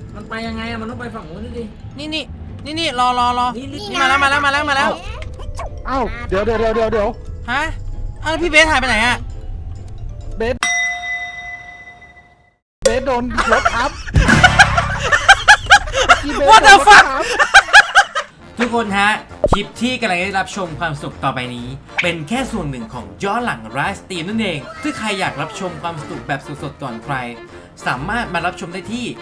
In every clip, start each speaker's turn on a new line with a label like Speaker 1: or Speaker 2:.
Speaker 1: มันไปยังไงอะมันต้องไปฝั่งนู้นดิ
Speaker 2: นี่รอนี่มาแล้ว
Speaker 3: เอ้าเดี๋ยว
Speaker 2: ฮะอ้าวพี่เบสหายไปไหนอะ
Speaker 3: เบสโดนรถทับ
Speaker 2: What the fuck ทุกคนฮะคลิปที่กำลังได้รับชมความสุขต่อไปนี้เป็นแค่ส่วนหนึ่งของย้อนหลังไลฟ์สตรีมนั่นเองถ้าใครอยากรับชมความสนุกแบบสดๆก่อนใครสามารถมารับชมได้ที่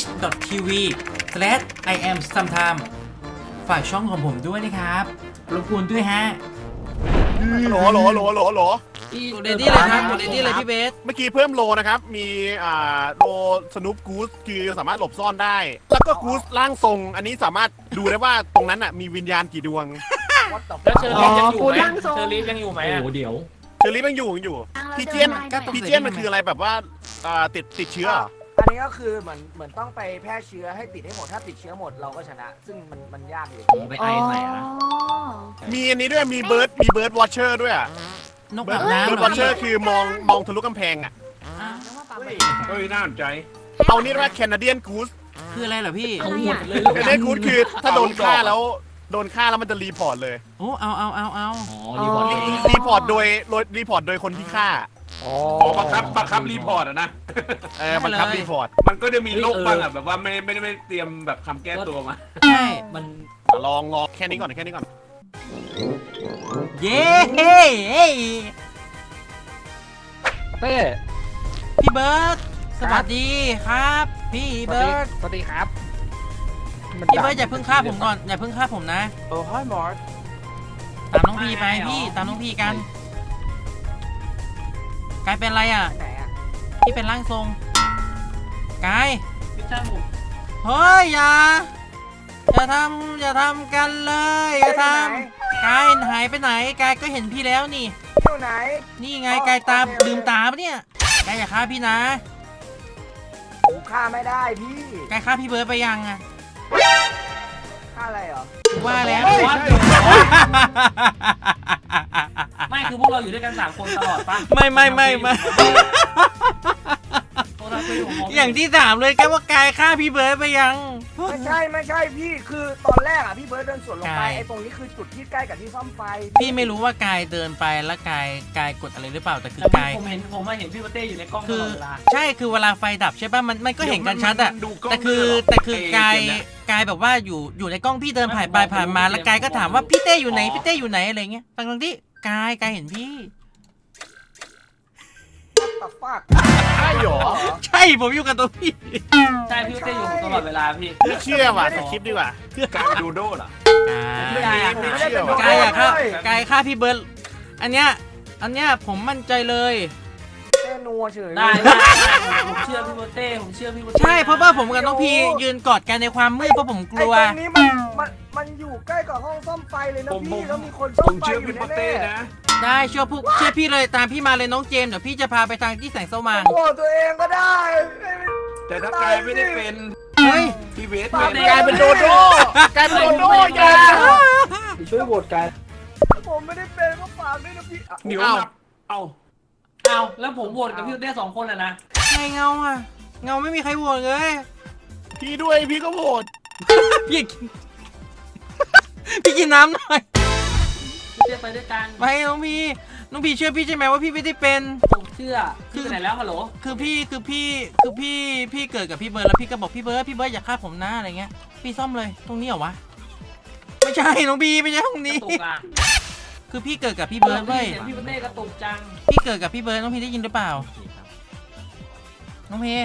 Speaker 2: twitch.tv/iamsometime ฝากช่องของผมด้วยนะครับรบกวนด้วยฮะ
Speaker 4: โหล
Speaker 2: กดเรดี้เลยครับกดเรดี้เลยพี่เบส
Speaker 4: เมื่อกี้เพิ่มโลนะครับ มีโลสนุปกูสคือสามารถหลบซ่อนได้ แล้วก็กูสร่างทรง อันนี้สามารถดูได้ว่าตรงนั้นมีวิญญาณกี่ดวง
Speaker 1: แล้วเชอรี่ยังอยู่ไหมเชอรี่ยังอยู่ไหมโอ้เดี๋ยว
Speaker 4: เชอรี่มันอยู่พี่เจียนมันคืออะไรแบบว่าติดเชื้อ
Speaker 5: อันนี้ก็คือเหมือนต้องไปแพร่เชื้อให้ติดให้หมดถ้าติดเชื้อหมดเราก็ชนะ ซึ่งมันยากอยู่
Speaker 1: ไปไอใส่อะ
Speaker 4: มีอันนี้ด้วยมีเบิร์ดวอชเชอร์ด้วย
Speaker 2: นก
Speaker 4: เบิ
Speaker 2: แบ
Speaker 4: ร์ด
Speaker 2: บน้ำ
Speaker 4: วอชเชอร์คือมองทะลุกำแพง
Speaker 1: เฮ้ยน่าสนใจ
Speaker 4: เอานี่ว่าแคนาเดียนกูส
Speaker 2: คืออะไรเหรอพี่
Speaker 1: เอาหมดเลย
Speaker 4: แคนาเดียนกูสคือถ้าโดนฆ่าแล้วมันจะรีพอร์ตเลย
Speaker 2: โอ้เอา
Speaker 1: อ๋อรีพอร์ต
Speaker 4: รีพอร์ตโดยคนที่ฆ่า
Speaker 1: บังคับรีพอร์ตอะนะ
Speaker 4: บังคับรีพอร์ต
Speaker 1: มันก็จะมีโรคบ้างอะแบบว่าไม่ได้เตรียมแบบคำแก้ตัวมา
Speaker 2: ใช่
Speaker 1: มัน
Speaker 4: ลองแค่นี้ก่อน
Speaker 2: เย้
Speaker 3: เต้
Speaker 2: พี่เบิร์ดสวัสดีครับพี่เบิร์ด
Speaker 3: สวัสดีครับ
Speaker 2: พี่เบิร์ดอย่าเพิ่งฆ่าผมก่อนอย่าเพิ่งฆ่าผมนะ
Speaker 5: โอ้ยมอส
Speaker 2: ตามน้องพีไปพี่ตามน้องพีกันกายเป็นอะไรอ่ะ
Speaker 5: ไหนอ่ะ
Speaker 2: พี่เป็นร่างทรงกาย
Speaker 1: ไม่ใช่ผม
Speaker 2: เฮ้ยอย่าทำกันเลยอย่าทำกายหายไปไหนกายก็เห็นพี่แล้วนี่
Speaker 5: อยู่ไหน
Speaker 2: นี่ไงกายตาลืมตาปะเนี่ยกายอย่าฆ่าพี่นะ
Speaker 5: ผมฆ่าไม่ได้พี่
Speaker 2: กายฆ่าพี่เบิร์ดไปยังอ่ะ
Speaker 5: ฆ่าอะไรเหรอ
Speaker 2: ว่าแล้ว
Speaker 1: ไม่คือพวกเราอยู่ด้วยกัน3 คนตลอดป่ะ
Speaker 2: ไม่ อย่างที่ถามเลยแกว่ากายฆ่าพี่เบิร์ดไปยัง
Speaker 5: ไม่ใช่พี่คือตอนแรกอ่ะพี่เบิร์ดเดินสวนลงไป
Speaker 2: กาย
Speaker 5: ไอ้ตรงนี้คือจุดที่ใกล้กับที่ซ่อมไฟ
Speaker 2: พี่ไม่รู้ว่ากายเดินไปแล้วกายกดอะไรหรือเปล่าแต่คือกาย
Speaker 1: ผมเห็นพี่เต้อยู่ในกล้องต
Speaker 2: คื
Speaker 1: ล
Speaker 2: อ
Speaker 1: อดเวลา
Speaker 2: ใช่คือเวลาไฟดับใช่ป่ะมันก็เห็นกันชัดอะ
Speaker 1: ดูกล้อง
Speaker 2: แต่คื
Speaker 1: ด้วยเหรอ
Speaker 2: อกายแบบว่าอยู่ในกล้องพี่เดินผ่านไปผ่านมาแล้วกายก็ถามว่าพี่เต้อยู่ไหนพี่เต้อยู่ไหนอะไรเงี้ยทั้งที่กายเห็นพี่
Speaker 5: ตัดฟาก
Speaker 4: ใช่หรอ
Speaker 2: ใช่ผมอยู่กับตัวพี่
Speaker 1: ใช่พี่เต้อยู่ตลอดเวลาพี่
Speaker 4: ไม่เชื่อว่ะสคริปต์ดีกว่า
Speaker 1: การดูโด้เหรอ
Speaker 4: ไม่เชื่อว่ะ
Speaker 2: กายอะฆ่าพี่เบิร์ดอันเนี้ยผมมั่นใจเลย
Speaker 5: เต้นัวเฉย
Speaker 1: ได้ผมเชื่อพี่เต้ผมเชื่อพี่เต้
Speaker 2: ใช่เพราะว่าผมกับน้องพียืนกอดกันในความมืดเพราะผมกลัว
Speaker 5: ไอ้ตรงนี้มันอยู่ใกล้กับห้องซ่อมไฟเลยนะพี่แล้วมีคนซ่อมไฟอยู่แน่ๆ
Speaker 2: ได้เชื่อพี่เลยตามพี่มาเลยน้องเจมส์เดี๋ยวพี่จะพาไปทางที่แสงสว่าง
Speaker 5: โอ้ตัวเองก็ได้
Speaker 1: แต่ถ้ากายไม่ได้เป็น
Speaker 2: เฮ้ย
Speaker 1: พี่เวส
Speaker 4: กลายเป็นโดโด้อย่า
Speaker 5: ช่วยโหวตกันผมไม่ได้เป็นก็ฝากด้วยนะพี่
Speaker 1: เดี๋ยวเอาแล้วผมโหวตกับพี่เต้2 คนเลยนะ
Speaker 2: ไงเงาอะเงาไม่มีใครโหวตเลย
Speaker 4: พี่ด้วยพี่ก็โหวต
Speaker 2: พี่กินน้ำหน่อย
Speaker 1: พี่เต้ไปด้วยกัน
Speaker 2: ไปน้องพีเชื่อพี่ใช่ไหมว่าพี่ไม่ได้เป็น
Speaker 1: ผมเชื่อพี่ไปไหนแล้วฮัลโหล
Speaker 2: คือพี่เกิดกับพี่เบิร์ดแล้วพี่ก็บอกพี่เบิร์ดอย่าฆ่าผมนะอะไรเงี้ยพี่ซ่อมเลยตรงนี้เหรอวะไม่ใช่น้องพีไม่ใช่ตรงนี้
Speaker 1: กระตุกอ่ะ
Speaker 2: คือพี่เกิดกับพี่เบิร์ดเว้ย
Speaker 1: เสียงพี่เต้กระตุกจัง
Speaker 2: พี่เกิดกับพี่เบิร์ดน้องพีได้ยินหรือเปล่าน้องพี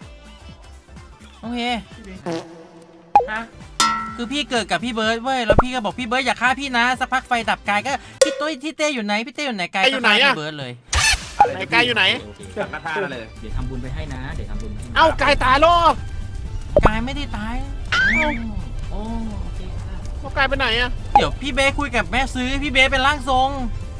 Speaker 1: ฮะ
Speaker 2: คือพี่เกิดกับพี่เบิร์ดเว้ยแล้วพี่ก็บอกพี่เบิร์ดอย่าฆ่าพี่นะสักพักไฟดับกายก็พี่ตุ้ยที่เต้อยู่ไหนพี่เต้อยู่ไหนกายก็ฆ่าพี่เบิร์ดเลย
Speaker 4: ไหนกายอยู่ไหน
Speaker 1: สังฆทานเลย
Speaker 6: เดี๋ยวทำบุญไปให้นะ เดี๋ยวทำบุญให้
Speaker 4: เอ้ากายตายแล้ว
Speaker 2: กายไม่ได้ตาย
Speaker 6: โอ้โอเคค่ะ
Speaker 4: แล้วกายไปไหนอะ
Speaker 2: เดี๋ยวพี่เบสคุยกับแม่ซื้อพี่เบสเป็นร่างทรง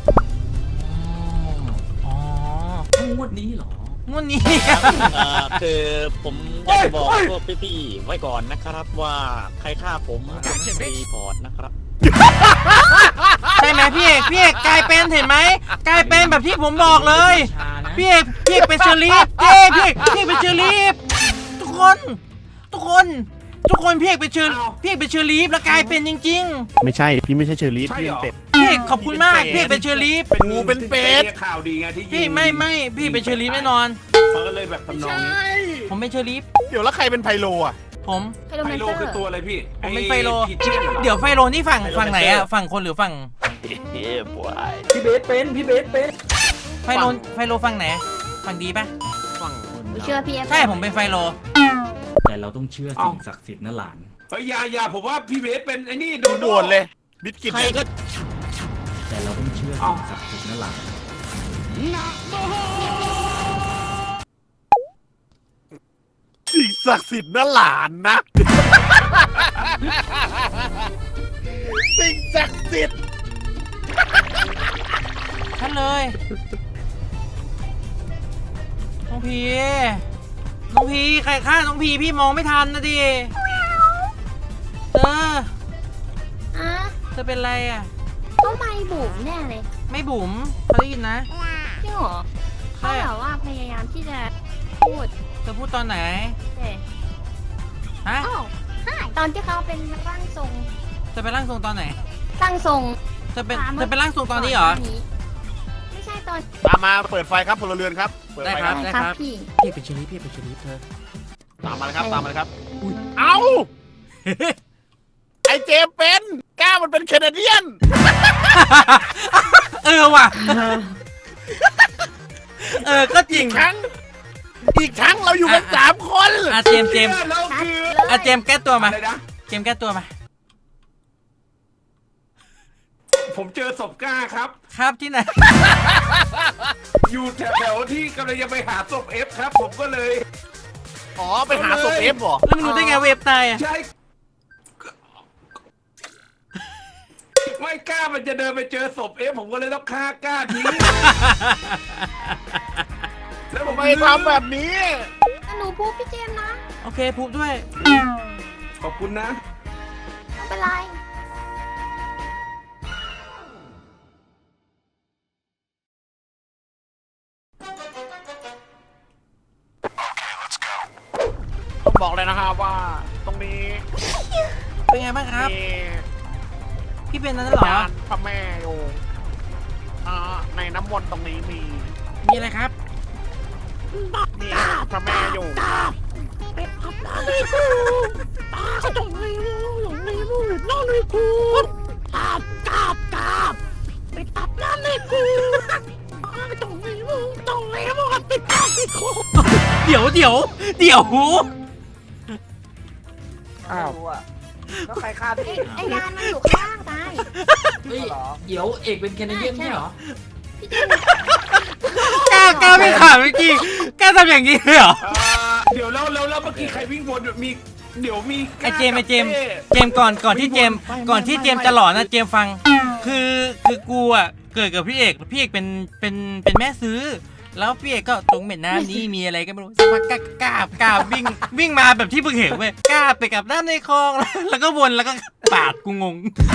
Speaker 2: อ๋อง
Speaker 6: วดนี้เหรอ
Speaker 2: งวดนี้
Speaker 7: คือผมอยากจะบอกพวกพี่ๆไว้ก่อนนะครับว่าใครฆ่าผมรีพอร์ตนะครับ
Speaker 2: ใช่ไหมพี่เอกกลายเป็นเห็นไหมกลายเป็นแบบที่ผมบอกเลยพี่เอกเป็นเชอรี่พี่เอกเป็นเชอรี่ทุกคนกคนพี่เอกเป็นเชอร์ลีฟแล้วกลายเป็นจริง
Speaker 4: ไม่ใช่พี่ไม่ใช่เชอรี่พี่เป็นเป็ด
Speaker 2: ๆพี่เอกขอบคุณมากพี่เอกเป็นเชอร์ลีฟ
Speaker 4: งูเป็นเป็ด
Speaker 1: ข่าวดีไงที่
Speaker 2: พี่ไม่พี่เป็นเชอร์ลีฟแน่นอน
Speaker 1: เขาก็เลยแบบทำนองนี้
Speaker 2: ผมเป็นเชอร์ลีฟ
Speaker 4: เดี๋ยวแล้วใครเป็นไพโลอ่ะ
Speaker 2: ผม
Speaker 8: ไฮโล
Speaker 1: ไฟ
Speaker 8: แมน
Speaker 1: โล
Speaker 8: เตอ
Speaker 1: คือ
Speaker 8: ร์
Speaker 1: ตัวอะไรพี่
Speaker 2: ผมเป็นไฟโล
Speaker 1: พีเจนเหรอ
Speaker 2: เดี๋ยวไฟโลนี่ฝั่งไหนอะฝั่งคนหรือฝั่ง
Speaker 5: พี่เบสเป็นพี่เบสเป็น
Speaker 2: ไฟโลฝั่งไหนฝั่งดีปะ
Speaker 8: หนูเชื่อพี่เอฟ
Speaker 2: ใช่ผมเป็นไฟโล
Speaker 6: แต่เราต้องเชื่อสิ่งศักดิ์สิทธิ์นะหลาน
Speaker 1: เฮ้ยอย่าผมว่าพี่เบสเป็นไอ้นี่โด
Speaker 4: โดนเลยบิดกิน
Speaker 7: ใครก็
Speaker 6: แต่เราต้องเชื่อสิ่งศักดิ์สิทธิ์นะหลาน
Speaker 4: สิ่งศักดิ์สิทธิ์นะหลานนะ สิ่งศักดิ์สิทธิ์
Speaker 2: ชัดเลยน้องพีใครฆ่าน้องพีพี่มองไม่ทันนะดิ
Speaker 8: อ่ะ
Speaker 2: เธอเป็นไรอ่ะ
Speaker 8: ต้องไม่บุ๋มแน่เลย
Speaker 2: ไม่บุ๋มเขาได้ยินนะ
Speaker 8: จริงเหรอ
Speaker 2: ใช่
Speaker 8: เขาแบบว่าพยายามที่จะพูด
Speaker 2: เธอพูดตอนไหน
Speaker 8: แต่
Speaker 2: ฮะ
Speaker 8: อ้าวตอนที่เขาเป็นร่างทรง
Speaker 2: เธอเป็นร่างทรงตอนไหน
Speaker 8: ร่างทรง
Speaker 2: เธอเป็นร่างทรงตอนนี้เหรอ
Speaker 8: ไม่ใช่ตอน
Speaker 4: มาเปิดไฟครับพลเรือนครับเปิดไฟครับ
Speaker 2: ได้
Speaker 8: ครับพี่
Speaker 2: พี่เป็นเชอรี่เธอ
Speaker 4: ตามมาเลยครับตามมาเลยครับเอ้าไอเจมส์เป็นก้ามันเป็นแคนาเดียน
Speaker 2: ว่ะก็จริง
Speaker 4: อีกครั้งเราอยู่กัน3 คน
Speaker 2: เจมส์
Speaker 1: แล้วคือ
Speaker 2: เจมส์แก้ตัวมา
Speaker 1: อะไรนะ
Speaker 2: เจมส์แก้ตัวมา
Speaker 1: ผมเจอศพกล้าครับ
Speaker 2: ครับที่ไหน
Speaker 1: อยู่แถวๆที่กำลังจะไปหาศพเอฟครับ ผมก็เลย
Speaker 4: อ๋อไปหาศพเอฟเหรอ
Speaker 2: แล้วมันรู้ได้ไงเวฟตายอ่ะ
Speaker 1: ใช่ไม่กล้ามันจะเดินไปเจอศพเอฟผมก็เลยต้องฆ่ากล้าทิ้งแล้วผม
Speaker 4: ทำไมทำแบบนี้
Speaker 8: แต่หนูพูดพี่เจมส์นะ
Speaker 2: โอเคพูดด้วย
Speaker 1: ขอบคุณนะ
Speaker 8: ไม่เป็นไร
Speaker 4: ต้องบอกเลยนะครับว่าตรงนี้
Speaker 2: เป็นไงบ้างครับ
Speaker 4: มี
Speaker 2: พี่เป็นนั้นเหรอ
Speaker 4: ยานพระแม่อยู่ในน้ำมนต์ตรงนี้มี
Speaker 2: มีอะไรครับ
Speaker 4: มีพระแม่อยู่
Speaker 2: เดี๋ยว
Speaker 3: อ้าว
Speaker 5: รู้อะแล้วใครฆ่าพี่
Speaker 8: ไอ้ยานมันอยู่ข้างล่างตาย
Speaker 6: เฮ้ย เดี๋ยวเอกเป็นแคนาเดียนไม่ใช่เหรอ
Speaker 8: พี่เจมส์
Speaker 2: กล้าไม่ถามเมื่อกี้กล้าทำอย่างนี้เลยเหรอ
Speaker 1: เดี๋ยวแล้วเมื่อกี้ใครวิ่งวนมีเดี๋ยวมี
Speaker 2: ไอเจมส์ก่อนที่เจมส์จะหลอนนะเจมส์ฟัง คือกูอ่ะเกิดกับพี่เอกเป็นแม่ซื้อ แล้วพี่เอกก็ตรงเหม็นน้ำนี้มีอะไรก็ไม่รู้สักพักกล้าวิ่งมาแบบที่เพิ่งเห็นเว้ยกล้าไปกับน้ำในคลองแล้วก็วนแล้วก็ปาดกูงง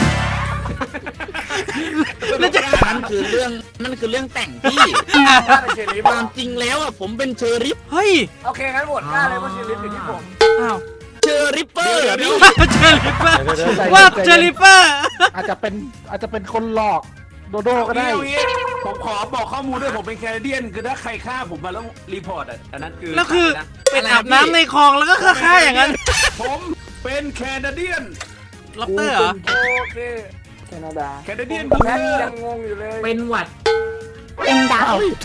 Speaker 2: แล้วจะ
Speaker 7: นั่นคือเรื่องแต่งพี่
Speaker 5: ฆ่าเป็นเชอรี่
Speaker 7: ความจริงแล้วอะผมเป็นเชอริฟ
Speaker 2: เฮ้ย
Speaker 5: โอเคงั้นโหวตฆ่าเลยเพราะเชอรี่อยู่ที่ผม
Speaker 2: อ้าว
Speaker 7: เชอริปเปอร์พี่
Speaker 2: เจอริปเปอร์ว่าเจอริปเปอร์
Speaker 3: อาจจะเป็นคนหลอกโดโดก็ได้
Speaker 1: เอางี้ผมขอบอกข้อมูลด้วยผมเป็นแคนาเดียนคือถ้าใครฆ่าผมมาแล้วรีพอร์ตอันนั้นคือ
Speaker 2: แล้วคือ
Speaker 1: นะ
Speaker 2: เป็นอาบน้ำในคลองแล้วก็ฆ่าอย่างนั้น
Speaker 1: ผมเป็นแคนาเดียน
Speaker 2: ล็อบเตอร์เหรอ
Speaker 5: โอเคแคนาดา
Speaker 1: แคนาเดียน
Speaker 5: แพทยังงงอยู่เลย
Speaker 6: เป็นหวัด
Speaker 8: เป็นดาว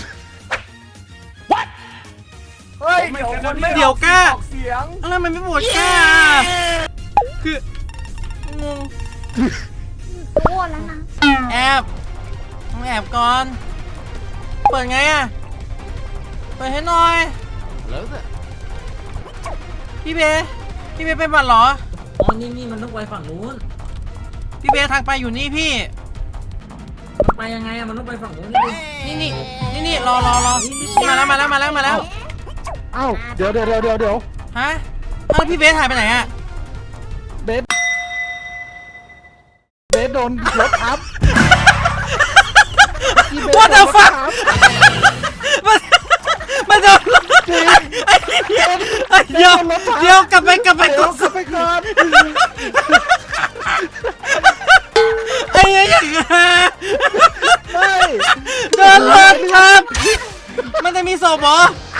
Speaker 5: เฮ้ยเดี๋ยวคนไม่
Speaker 2: เดี๋ยวกล้า
Speaker 5: ออกเสียง
Speaker 2: แล้วมันไม่โหวตกล้าคืองง
Speaker 8: โอ้แล้วนะ
Speaker 2: แอบต้องแอบก่อน เปิดไงอ่ะ เปิดให้หน่อย
Speaker 4: แล้วแต่
Speaker 2: พี่เบเป็นหวัดเหรอ
Speaker 6: อ๋อ นี่มันต้องไปฝั่งนู้น
Speaker 2: พี่เบทางไปอยู่นี่พี่
Speaker 6: มันไปยังไงอะมันต้องไปฝั่งนู้นนี่
Speaker 2: นี่รอมาแล้ว
Speaker 3: อ้าวเดี๋ยว
Speaker 2: ฮะเอ้าพี่เบสหายไปไหนอ่ะ
Speaker 3: เบสโดนรถทับ
Speaker 2: What the fuck มันโดนเดี๋ยวกลับไปกด
Speaker 3: กลับไปก่อน
Speaker 2: ไอ้ยัง
Speaker 3: เฮ้ย
Speaker 2: โดนรถครับ มันจะมีศพเหรอ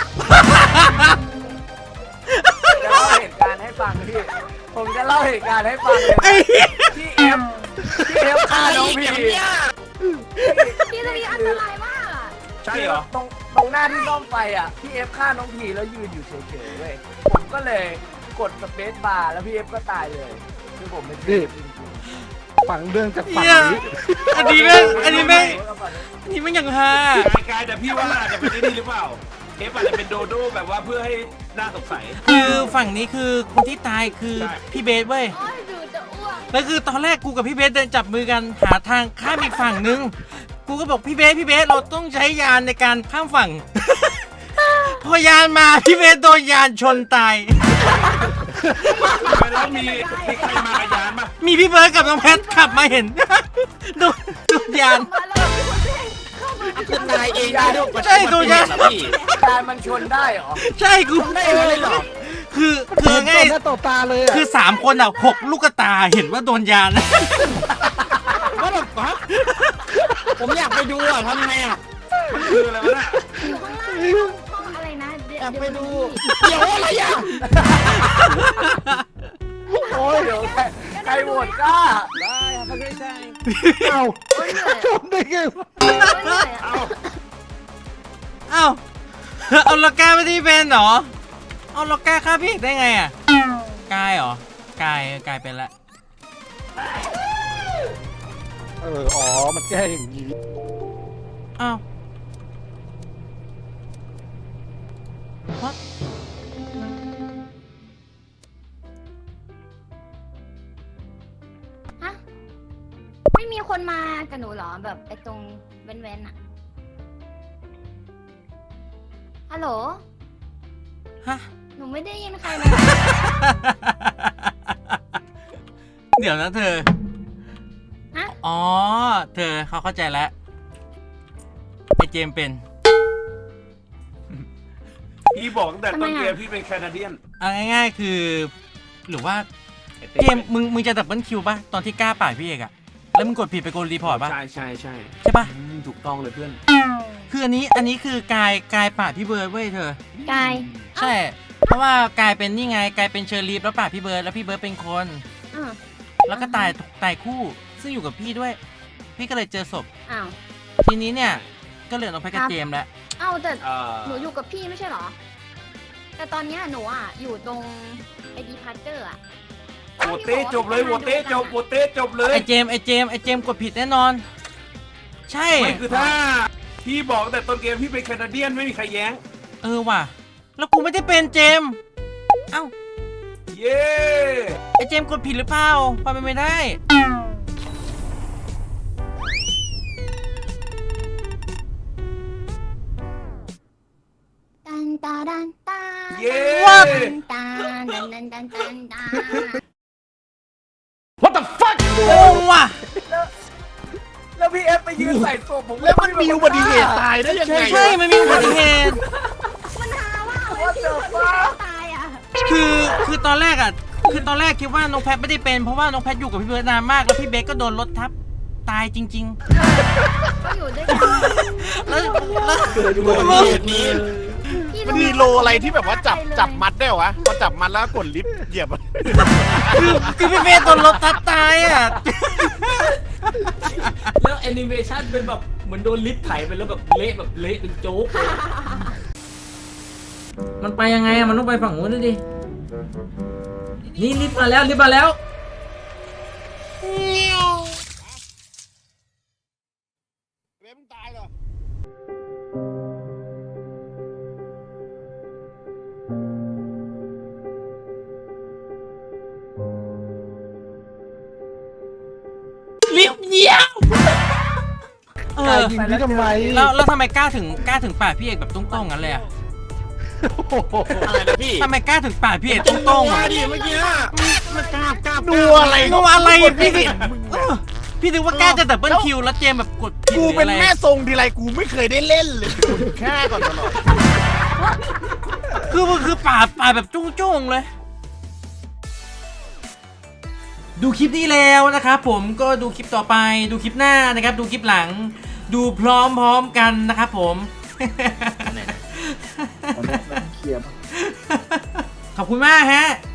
Speaker 5: จะเล่าเหตุการณ์ให้ฟังพี่ผมจะเล่าเหตุการณ์ให้ฟังเลย
Speaker 2: ไอ้
Speaker 5: พี่เอฟฆ่าน้องพี
Speaker 8: พี่ตรงนี้อันตรายมากอะ
Speaker 1: ใช่เหรอ
Speaker 5: ตรงหน้าที่ซ่อมไฟอ่ะพี่เอฟฆ่าน้องพีแล้วยืนอยู่เฉยๆเว้ยผมก็เลยกดสเปซบาร์แล้วพี่เอฟก็ตายเลยคือผมเป็นพี่จริง
Speaker 3: ฝังเรื่องจากฝั่ง
Speaker 2: เหี้ย
Speaker 3: นี้
Speaker 2: อันนี้แม่งนี่มันอย่างฮาก
Speaker 1: ายแต่พี่ว่าอาจจะเป็นนี่หรือเปล่าเอฟอาจจะเป็นโดโด้แบบว่าเพื่อให้น่าสงสัย
Speaker 2: คือฝั่งนี้คือคนที่ตายคือ
Speaker 1: ใช่
Speaker 2: พี่เบสเว้ย
Speaker 8: โอ้ยดูจะอ้วก
Speaker 2: แล้วคือตอนแรกกูกับพี่เบสเดินจับมือกันหาทางข้ามอีกฝั่งนึง กูก็บอกพี่เบสเราต้องใช้ยานในการข้ามฝั่ง พอยานมาพี่เบสโดนยานชนตาย
Speaker 1: แล้วมีใครมากับยานปะ
Speaker 2: มีพี่เบิร์ดกับน้องแพทขับมาเห็น โดนยาน
Speaker 8: มาแล้วมีคนเล่นเข้ามา
Speaker 7: คือนายเองได้ด้วย
Speaker 2: ใช่ตัวยาน
Speaker 7: เหรอพี่
Speaker 5: การมันชนได้เหรอ
Speaker 2: ใช่กู
Speaker 5: ได้เลยเหรอ
Speaker 2: คือ
Speaker 3: เห็น
Speaker 2: ง่าย
Speaker 3: ต่อหน้าต่อตาเลยอะ
Speaker 2: คือ3 คนอ่ะ6 ลูกตาเห็นว่าโดนยาน
Speaker 7: ว่าแบบวะผมอยากไปดูอ่ะทำไงอ่ะ
Speaker 1: มันคืออะไรวะน่ะ
Speaker 8: อยู่ข้างล่างห้องอะไรนะเดี๋ยวไปดู
Speaker 7: เดี๋ยวอะไรอ่ะ
Speaker 5: โอ้ยเดี๋ยวใครโหวตกล้า
Speaker 3: เอ้า
Speaker 8: โอ้ยเหนื่อย
Speaker 3: ชมได้ไงวะ
Speaker 8: โอ้ยเหนื่อยอะ
Speaker 1: เอ้า
Speaker 2: เอ้าเอาล็อกก้าไม่ได้เป็นเหรอเอาล็อกก้าฆ่าพี่ได้ไงอ่ะกายเหรอกายเป็นละ
Speaker 3: อ๋อมันแก้อย่างนี้
Speaker 2: อ้าว What?
Speaker 8: ฮะไม่มีคนมากับหนูเหรอแบบไอ้ตรงเว้นๆอะฮัลโหล
Speaker 2: ฮะ
Speaker 8: หนูไม่ได้ยินใครเลย
Speaker 2: เดี๋ยวนะเธอ
Speaker 8: ฮะ
Speaker 2: อ๋อ เธอเขาเข้าใจแล้ว ไอเจมส์เป็น
Speaker 1: พี่บอกตั้งแต่ต้นเกมพี่เป็นแคนาเดียน
Speaker 2: เอาง่ายๆคือ หรือว่าเจมส์มึงจะดับเบิลคิวป่ะ ตอนที่กล้าป่าดพี่เอกอะแล้วมึงกดผิดไปกดรีพอร์ตป่ะ
Speaker 1: ใช่
Speaker 2: ใช่ป่ะ
Speaker 1: ถูกต้องเลยเพื่อน
Speaker 2: คืออันนี้คือกายป่าดพี่เบิร์ดเว้ยเธอ
Speaker 8: กาย
Speaker 2: ใช่ เพราะว่ากายเป็นนี่ไงกายเป็นเชอร์ลีฟแล้วป่าดพี่เบิร์ดแล้วพี่เบิร์ดเป็นคน
Speaker 8: อ้าว
Speaker 2: แล้วก็ตายคู่ ซึ่งอยู่กับพี่ด้วย พี่ก็เลยเจอศพ
Speaker 8: อ้าว
Speaker 2: ทีนี้เนี่ย ก็เหลือน้องแพทกับเจมส์แล้ว
Speaker 8: อ้าวแต่
Speaker 1: เอ่อ
Speaker 8: หนูอยู่กับพี่ไม่ใช่เหรอ แต่ตอนเนี้ยหนูอ่ะอยู่ตรงไอ้ดีพาร์เจอร์อ่ะ
Speaker 1: โหวตเต้จบเลยโหวตเต้จบโหวตเต้จบเลย
Speaker 2: ไอเจมส์กดผิดแน่นอน ใช่
Speaker 1: ไม่คือถ้าพี่บอกตั้งแต่ต้นเกมพี่เป็นแคนาเดียนไม่มีใครแย้ง
Speaker 2: เออว่ะ แล้วกูไม่ได้เป็นเจมส์เอ้า
Speaker 1: เย้
Speaker 2: ไอเจมส์กดผิดหรือเปล่าพอเป็นไม่ได้
Speaker 8: ตันตาดันตา
Speaker 1: เย้
Speaker 8: ตันตาดันดันดันดันตา
Speaker 1: What the fuck
Speaker 2: โอ้ว่ะ
Speaker 5: แล้วพี่เอฟไปยืนใส่ศพผม
Speaker 4: แล้วมันมีอุบัติเหตุตายได้ยังไง
Speaker 2: ใช่ มันมีอุบัติเหตุ
Speaker 8: มันหาว่าไอ้ที่คนที่ตายอ่ะ
Speaker 2: คือตอนแรกคิดว่าน้องแพทไม่ได้เป็นเพราะว่าน้องแพทอยู่กับพี่เบิร์ดนานมากแล้วพี่เบสก็โดนรถทับตายจริง
Speaker 8: ก็อยู่ด้วยกัน
Speaker 2: ๆ แล้ว
Speaker 4: เกิดอุบัติเหตุนี้
Speaker 8: พี่
Speaker 4: มันมีโลอะไรที่แบบว่าจับมัดได้เหรอวะพอจับมัดแล้วกดลิฟต์เหยียบอะ
Speaker 2: คือพี่เบสโดนรถทับตายอ่ะ
Speaker 6: แล้วแอนิเมชันเป็นแบบเหมือนโดนลิฟต์ไถไปแล้วแบบเละเป็นโจ๊กเลยมันไปยังไงอะมันต้องไปฝั่งนู้นดินี่ลิฟต์มาแล้ว
Speaker 4: เว็บตายเหรอ
Speaker 2: ลิฟต์เยี่ยมเออ
Speaker 3: ยิงพี่ทำไม
Speaker 2: แล้วทำไมกล้าถึงป่าดพี่เอกแบบตุ้งๆงั้นเลยอ่ะ
Speaker 4: อะไรนะพี่
Speaker 2: ทำไมกล้าถึงป่าดพี่เอกตุ้งๆ
Speaker 4: ว่า
Speaker 2: อ่ะ
Speaker 4: ดิเมื่อกี้มันกล้าดูอะไร
Speaker 2: งงอะไรพี่
Speaker 4: เห็
Speaker 2: เห็
Speaker 4: น
Speaker 2: น
Speaker 4: มึง
Speaker 2: พี่นึกว่ากล้าจะดับเบิลคิวแล้วเจมแบบกดผิด
Speaker 4: กู
Speaker 2: หรือ
Speaker 4: เป็น
Speaker 2: อะไร
Speaker 4: แม่ทรงทีไรกูไม่เคยได้เล่นเลยกูแค่ก่อนตลอด
Speaker 2: คือมันคือปาดแบบจุ้งๆเลย ดูคลิปนี้แล้วนะครับผมก็ดูคลิปต่อไปดูคลิปหน้านะครับดูคลิปหลังดูพร้อมๆกันนะครับผม
Speaker 3: ตอนนี้เคลียร์
Speaker 2: ขอบคุณมากฮะ